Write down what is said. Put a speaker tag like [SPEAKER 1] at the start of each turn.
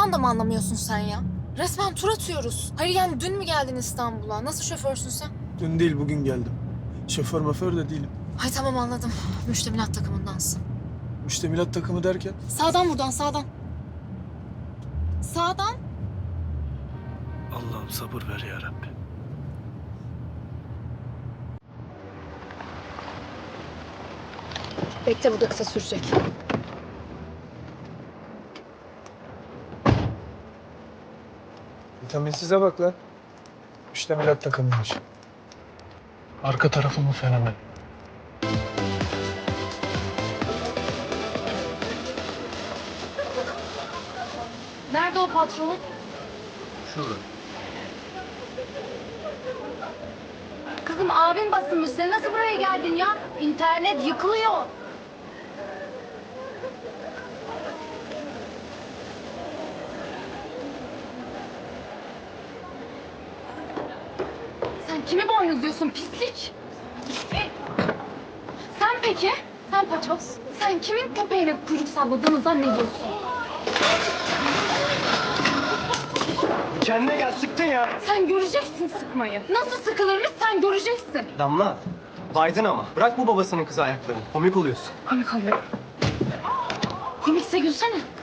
[SPEAKER 1] da mı anlamıyorsun sen ya? Resmen tur atıyoruz. Hayır yani dün mü geldin İstanbul'a? Nasıl şoförsün sen?
[SPEAKER 2] Dün değil bugün geldim. Şoför maför de değilim.
[SPEAKER 1] Hay tamam anladım. Müştemilat takımındansın.
[SPEAKER 2] Müştemilat takımı derken
[SPEAKER 1] Sağdan buradan sağdan. Sağdan.
[SPEAKER 2] Allah'ım sabır ver ya Rabbi.
[SPEAKER 1] Bekle bu da kısa sürecek.
[SPEAKER 2] Vitaminsize bak lan. Müştemilat takımıymış. Arka tarafımın fenomen.
[SPEAKER 1] Nerede o patron?
[SPEAKER 2] Şurada.
[SPEAKER 3] Kızım abin basılmış. Sen nasıl buraya geldin ya? İnternet yıkılıyor. Sen kimi boynuzluyorsun pislik? Sen peki? Sen paçoz. Sen kimin köpeğine kuyruk salladığını zannediyorsun?
[SPEAKER 4] Kendine gel, sıktın ya.
[SPEAKER 3] Sen göreceksin sıkmayı. Nasıl sıkılırmış sen göreceksin.
[SPEAKER 4] Damla, baydın ama. Bırak bu babasının kızı ayaklarını. Komik oluyorsun.
[SPEAKER 3] Komik oluyor. Komikse gülsene.